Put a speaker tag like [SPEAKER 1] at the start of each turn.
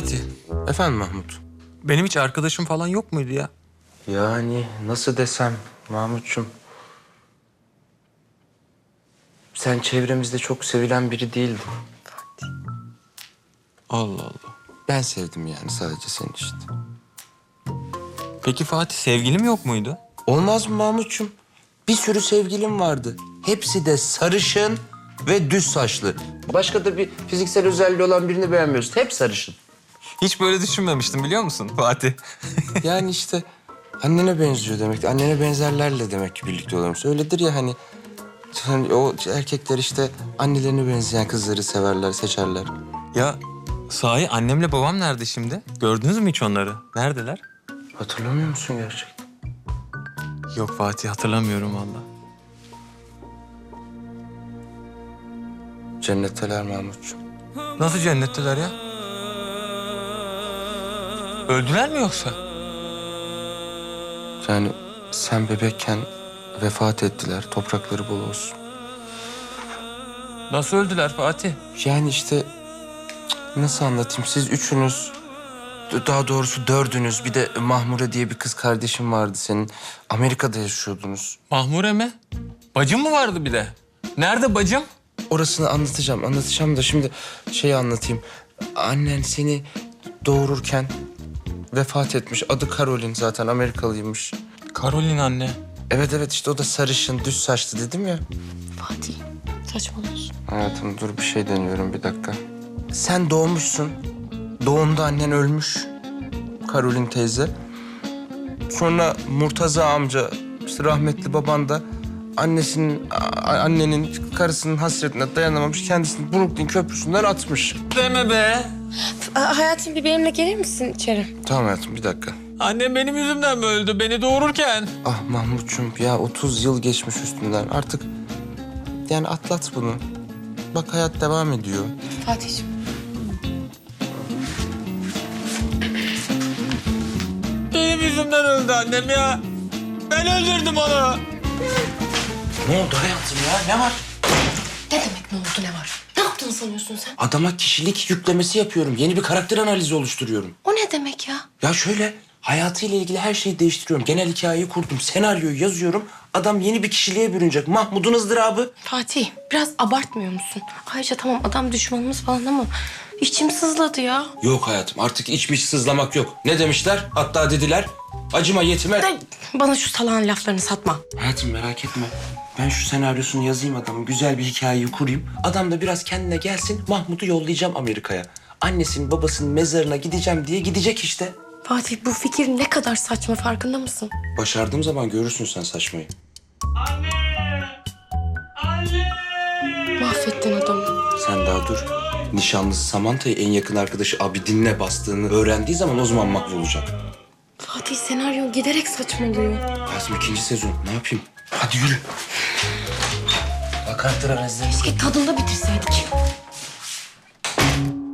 [SPEAKER 1] Fatih,
[SPEAKER 2] Efendim Mahmut?
[SPEAKER 1] benim hiç arkadaşım falan yok muydu ya?
[SPEAKER 2] Yani nasıl desem Mahmut'cum. Sen çevremizde çok sevilen biri değildin.
[SPEAKER 1] Allah Allah.
[SPEAKER 2] Ben sevdim yani sadece senin işte.
[SPEAKER 1] Peki Fatih, sevgilim yok muydu?
[SPEAKER 2] Olmaz mı Mahmut'cum? Bir sürü sevgilim vardı. Hepsi de sarışın ve düz saçlı. Başka da bir fiziksel özelliği olan birini beğenmiyorsun. Hep sarışın.
[SPEAKER 1] Hiç böyle düşünmemiştim biliyor musun Fatih?
[SPEAKER 2] Yani işte annene benziyor demek. Annene benzerlerle demek ki birlikte oluyormuş. Öyledir ya hani. Hani o erkekler işte annelerine benzeyen kızları severler, seçerler.
[SPEAKER 1] Ya sahi annemle babam nerede şimdi? Gördünüz mü hiç onları? Neredeler?
[SPEAKER 2] Hatırlamıyor musun gerçekten?
[SPEAKER 1] Yok Fatih, hatırlamıyorum vallahi.
[SPEAKER 2] Cennetteler Mahmut'cum.
[SPEAKER 1] Nasıl cennetteler ya? Öldüler mi yoksa?
[SPEAKER 2] Yani sen bebekken vefat ettiler. Toprakları bol olsun.
[SPEAKER 1] Nasıl öldüler Fatih?
[SPEAKER 2] Yani işte nasıl anlatayım? Siz üçünüz, daha doğrusu dördünüz. Bir de Mahmure diye bir kız kardeşim vardı senin. Amerika'da yaşıyordunuz.
[SPEAKER 1] Mahmure mi? Bacım mı vardı bir de? Nerede bacım?
[SPEAKER 2] Orasını anlatacağım da şimdi şeyi anlatayım. Annen seni doğururken vefat etmiş. Adı Caroline, zaten Amerikalıymış.
[SPEAKER 1] Karolin anne.
[SPEAKER 2] Evet işte o da sarışın, düz saçlı dedim ya.
[SPEAKER 3] Fatih, saçmalıyorsun.
[SPEAKER 2] Hayatım dur, bir şey deniyorum, bir dakika. Sen doğmuşsun. Doğumda annen ölmüş. Caroline teyze. Sonra Murtaza amca, işte rahmetli baban da annenin karısının hasretine dayanamamış, kendisini Brooklyn Köprüsü'nden atmış.
[SPEAKER 1] Deme be.
[SPEAKER 3] Hayatım, bir benimle gelir misin içeri?
[SPEAKER 2] Tamam hayatım, bir dakika.
[SPEAKER 1] Annem benim yüzümden mi öldü? Beni doğururken.
[SPEAKER 2] Ah Mahmut'cum ya, 30 yıl geçmiş üstünden. Artık yani atlat bunu. Bak hayat devam ediyor.
[SPEAKER 3] Fatih'ciğim.
[SPEAKER 1] Benim yüzümden öldü annem ya. Ben öldürdüm onu.
[SPEAKER 2] Ne oldu hayatım ya? Ne var?
[SPEAKER 3] Ne demek ne oldu, ne var? Ne yaptığını sanıyorsun sen?
[SPEAKER 2] Adama kişilik yüklemesi yapıyorum. Yeni bir karakter analizi oluşturuyorum.
[SPEAKER 3] O ne demek ya?
[SPEAKER 2] Ya şöyle, hayatıyla ilgili her şeyi değiştiriyorum. Genel hikayeyi kurdum, senaryoyu yazıyorum. Adam yeni bir kişiliğe bürünecek. Mahmud'un ızdırabı.
[SPEAKER 3] Fatih, biraz abartmıyor musun? Ayrıca tamam adam düşmanımız falan ama içim sızladı ya.
[SPEAKER 2] Yok hayatım, artık içmiş sızlamak yok. Ne demişler? Hatta dediler, acıma yetime.
[SPEAKER 3] Ay, bana şu salağın laflarını satma.
[SPEAKER 2] Hayatım merak etme. Ben şu senaryosunu yazayım adamın, güzel bir hikayeyi kurayım. Adam da biraz kendine gelsin, Mahmud'u yollayacağım Amerika'ya. Annesinin babasının mezarına gideceğim diye gidecek işte.
[SPEAKER 3] Fatih, bu fikir ne kadar saçma, farkında mısın?
[SPEAKER 2] Başardığım zaman görürsün sen saçmayı.
[SPEAKER 1] Anne! Anne!
[SPEAKER 3] Mahvettin adamı.
[SPEAKER 2] Sen daha dur. Nişanlısı Samantha'yı en yakın arkadaşı Abidin'le bastığını öğrendiği zaman o zaman mahvolacak.
[SPEAKER 3] Fatih, senaryo giderek saçmalıyor.
[SPEAKER 2] Hayatım 2. sezon, ne yapayım? Hadi yürü. Bak karakter analizleri.
[SPEAKER 3] Keşke tadında bitirseydik.